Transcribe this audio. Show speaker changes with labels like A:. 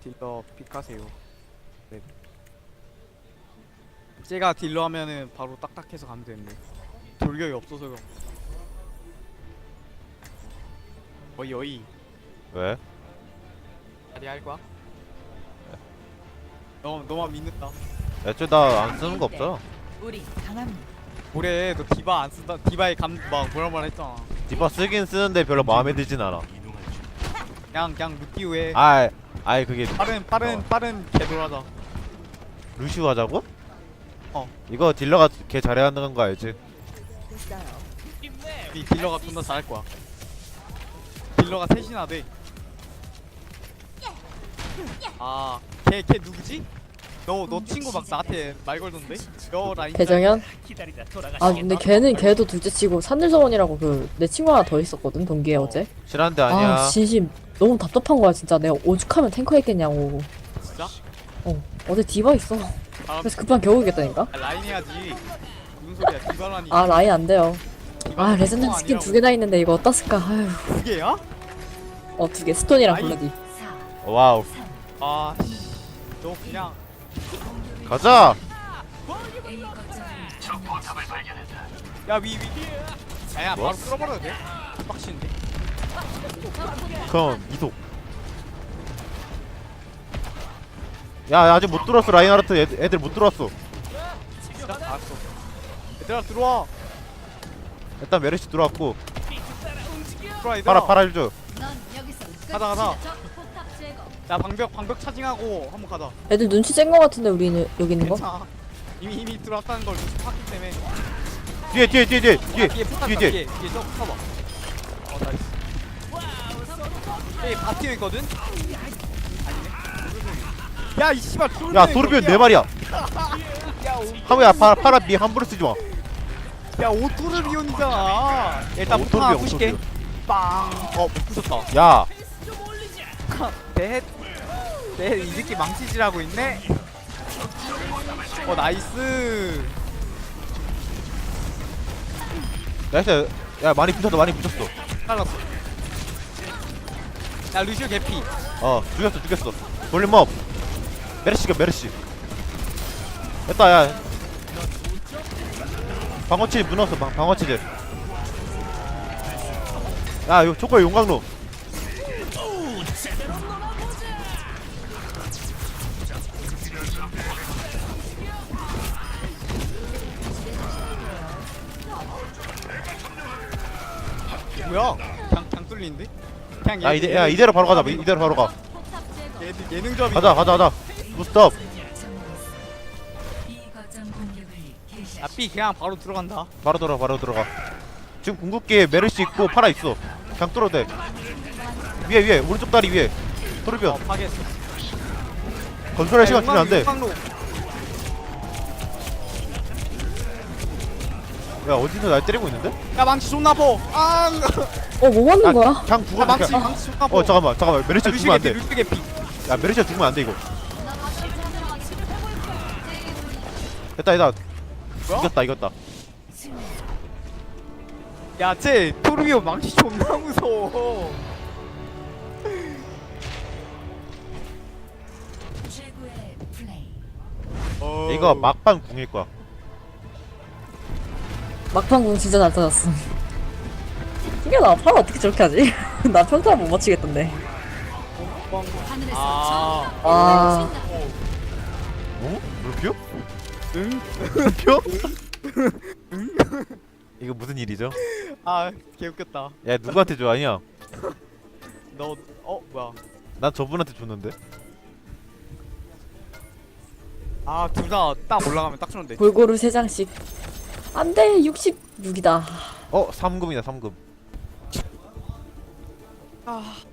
A: 딜러 픽하세요. 네. 제가 딜러 하면은 바로 딱딱해서 가면 되는데 돌격이 없어서요. 어이
B: 왜?
A: 자리 할 거야? 너만 믿는다.
B: 애초에 나 안 쓰는 거 없잖아.
C: 우리 강합니다.
A: 올해 너 디바 안 쓴다. 디바의 막 뭐라 했잖아.
B: 디바 쓰긴 쓰는데 별로 마음에 들진 않아.
A: 그냥 루티우에
B: 아이 그게
A: 빠른 개돌하자.
B: 루시우 하자고?
A: 어.
B: 이거 딜러가 개 잘해야 하는 거 알지?
C: 됐어요.
A: 이 딜러가 존나 잘할 거야. 딜러가 셋이나 돼. 걔 누구지? 너 친구 막 나한테 말 걸던데? 너 라인
D: 배정현? 아 근데 걔도 둘째치고 산들서원이라고 그 내 친구 하나 더 있었거든 동기에 어제.
B: 실한데 아니야.
D: 아 진심 너무 답답한 거야 진짜. 내가 오죽하면 탱커 했겠냐고.
A: 진짜?
D: 어제 디바 있어. 그래서 급한 겨우 이겼다니까.
A: 라인 해야지. 무슨 소리야? 디바라니.
D: 아 라인 안 돼요.
A: 디바는
D: 아 레전드
A: 탱커
D: 스킨
A: 아니라고.
D: 2개나 있는데 이거 어떻을까. 아휴.
A: 두 개야?
D: 2개 스톤이랑
A: 라인.
D: 블러디.
B: 와우.
A: 씨. 너 그냥
B: 가자.
A: 야 위. 야야
B: 뭐?
A: 바로 끌어버려도 돼? 빡치는데.
B: 그럼 이속. 야 아직 못 들어왔어. 라인하르트 애들 못 들어왔어.
A: 진짜? 알았어. 얘들아 들어와.
B: 일단 메르시 들어왔고.
A: 들어와 얘들아.
B: 파라 일줘.
A: 가자. 야 방벽 차징하고 한번 가자.
D: 애들 눈치 챈 거 같은데 우리는 여기 있는 거?
A: 괜찮아. 이미 들어왔다는 걸 눈치 팠기 때문에.
B: 뒤에
A: 뒤에 포탑
B: 뒤에.
A: 뒤에 저 커버. 나이스. 여기 바티어 있거든? 아니네. 야이 씨발
B: 야 도르비온 네 마리야.
A: 야
B: 하모야 파라 미 함부로 쓰지 마.
A: 야 오토르비온이잖아. 일단
B: 야,
A: 포탑 하나
B: 오토르비온,
A: 부실게.
B: 오토르비온.
A: 빵. 못 부셨다.
B: 야
A: 이 새끼 망치질하고 있네. 나이스.
B: 나이스. 야 많이 부셨어.
A: 잘랐어. 야 루시오 개피.
B: 죽였어. 볼륨업. 메르시. 됐다 야. 방어치질 무너졌어. 방어치질. 야 이거 초코의 용광로.
A: 뭐야? 그냥 뚫리는데? 그냥
B: 야 이대로 바로 가자. 이대로 바로 가.
A: 얘들 예능점이.
B: 가자. 무스톱.
A: 야 B 그냥 바로 들어간다.
B: 바로 들어가. 지금 궁극기에 메르시 있고 파라 있어. 그냥 뚫어도 돼. 위에 오른쪽 다리 위에. 토르비온.
A: 파괴했어.
B: 건설할 시간 주면 안 돼. 야 어디서 날 때리고 있는데?
A: 야 망치 존나 아파.
D: 뭐 하는 거야?
B: 그냥 죽어.
A: 망치 존나 아파.
B: 잠깐만. 메르시 죽으면 안 돼.
A: 루시 개피.
B: 야 메르시 죽으면 안 돼 이거. 됐다.
A: 뭐야?
B: 이겼다.
A: 야쟤 토르비온 망치 존나 무서워.
B: 이거 막판 궁일 거야.
D: 막판공 진짜 잘 터졌어. 이게 나 팔 어떻게 저렇게 하지? 나 평타 못 맞추겠던데. 아
B: 어? 물표?
A: 응?
B: 물표? 이거 무슨 일이죠?
A: 개웃겼다.
B: 야 누구한테 줘 아니야?
A: 너 뭐야?
B: 난 저분한테 줬는데.
A: 둘 다 딱 올라가면 딱 주는데.
D: 골고루 3장씩. 안돼 66이다.
B: 3금이다 3금.